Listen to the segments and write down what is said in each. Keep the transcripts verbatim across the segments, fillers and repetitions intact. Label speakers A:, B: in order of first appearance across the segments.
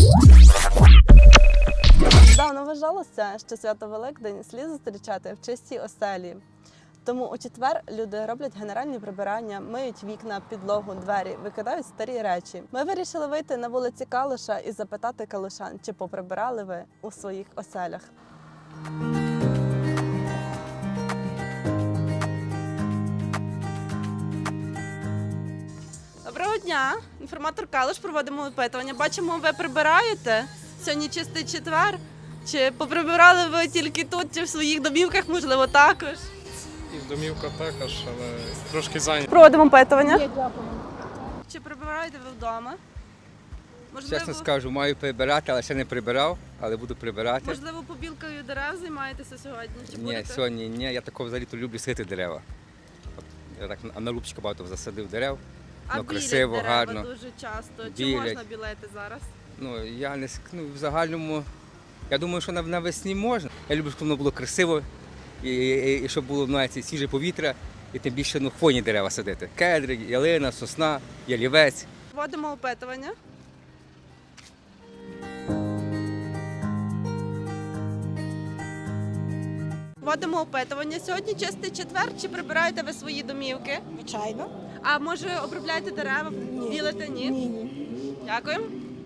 A: Давно вважалося, що свято Великдень слід зустрічати в чистій оселі. Тому у четвер люди роблять генеральні прибирання, миють вікна, підлогу, двері, викидають старі речі. Ми вирішили вийти на вулиці Калуша і запитати калушан, чи поприбирали ви у своїх оселях. Доброго дня! Інформатор Калуш, проводимо опитування. Бачимо, ви прибираєте. Сьогодні чистий четвер. Чи поприбирали ви тільки тут, чи в своїх домівках, можливо, також?
B: І в домівках також, але трошки зайняті.
A: Проводимо опитування. Чи прибираєте ви вдома? Можливо,
C: Чесно скажу, маю прибирати, але ще не прибирав, але буду прибирати.
A: можливо, побілкою дерев займаєтеся сьогодні? Чи
C: Ні,
A: будете?
C: сьогодні ні, я такого взагалі-то люблю садити дерева. От, я так на лупчика багато засадив дерев,
A: А
C: ну,
A: білять
C: красиво,
A: дерева
C: гарно.
A: дуже часто. Чи
C: Білять.
A: можна білити зараз?
C: Ну, я не ск- ну, в загальному, я думаю, що нав- навесні можна. Я люблю, щоб воно було красиво, і, і, і щоб було знаєте, свіже повітря, і тим більше ну, хвойні дерева садити. Кедри, ялина, сосна, ялівець.
A: Вводимо опитування. Вводимо опитування. Сьогодні чистий четвер. Чи прибираєте ви свої домівки?
D: Звичайно.
A: А може обробляєте дерева? Білите? Ні?
D: Ні, ні.
A: Дякую.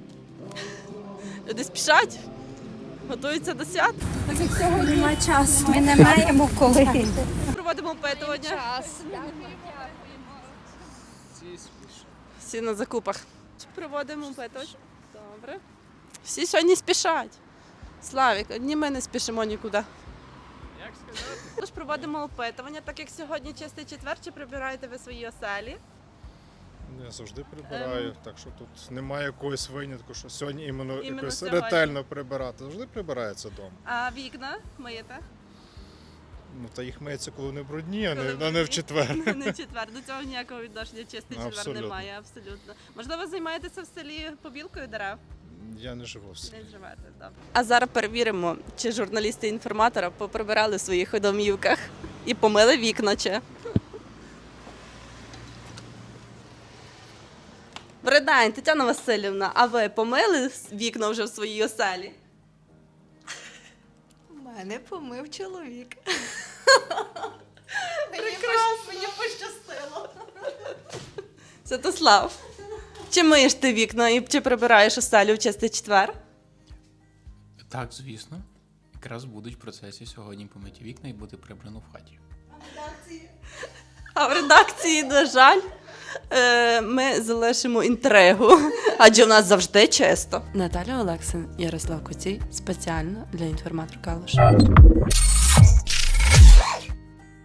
A: Люди спішать. Готуються до свят.
D: Так як сьогодні немає часу. Ми не маємо коли.
A: Проводимо опитування. Всі на закупах. Проводимо опитування. Добре. Всі сьогодні спішать. Славік, одні ми не спішимо нікуди.
B: Як сказати?
A: Тож проводимо опитування, так як сьогодні чистий четвер, чи прибираєте ви свої оселі?
E: Я завжди прибираю,
A: Ем.
E: так що тут немає якогось винятку, що сьогодні іменно,
A: Іменно
E: якось
A: сьогодні.
E: ретельно прибирати. Завжди прибирається вдома.
A: А вікна миєте?
E: Ну та їх миється, коли вони брудні, а
A: Коли
E: не, а не в
A: брудні.
E: четвер.
A: Не в четвер. До цього ніякого відношення чистий четвер
E: Абсолютно.
A: немає, абсолютно. Можливо, займаєтеся в селі побілкою дерев?
E: Я не живу в селі.
A: Не живете, добре. А зараз перевіримо, чи журналісти інформатора поприбирали в своїх домівках і помили вікна чи. Добрий день, Тетяна Васильівна, а ви помили вікна вже в своїй оселі?
D: У мене помив чоловік.
A: Прекрасно, мені пощастило. Святослав, чи миєш ти вікна і чи прибираєш оселю в чистий четвер?
F: Так, звісно. Якраз будуть в процесі сьогодні помиті вікна і буде прибрано в хаті.
A: А в редакції, на жаль, е, ми залишимо інтригу, адже у нас завжди чисто. Наталя Олексин, Ярослав Коцій, спеціально для інформатор Калуш.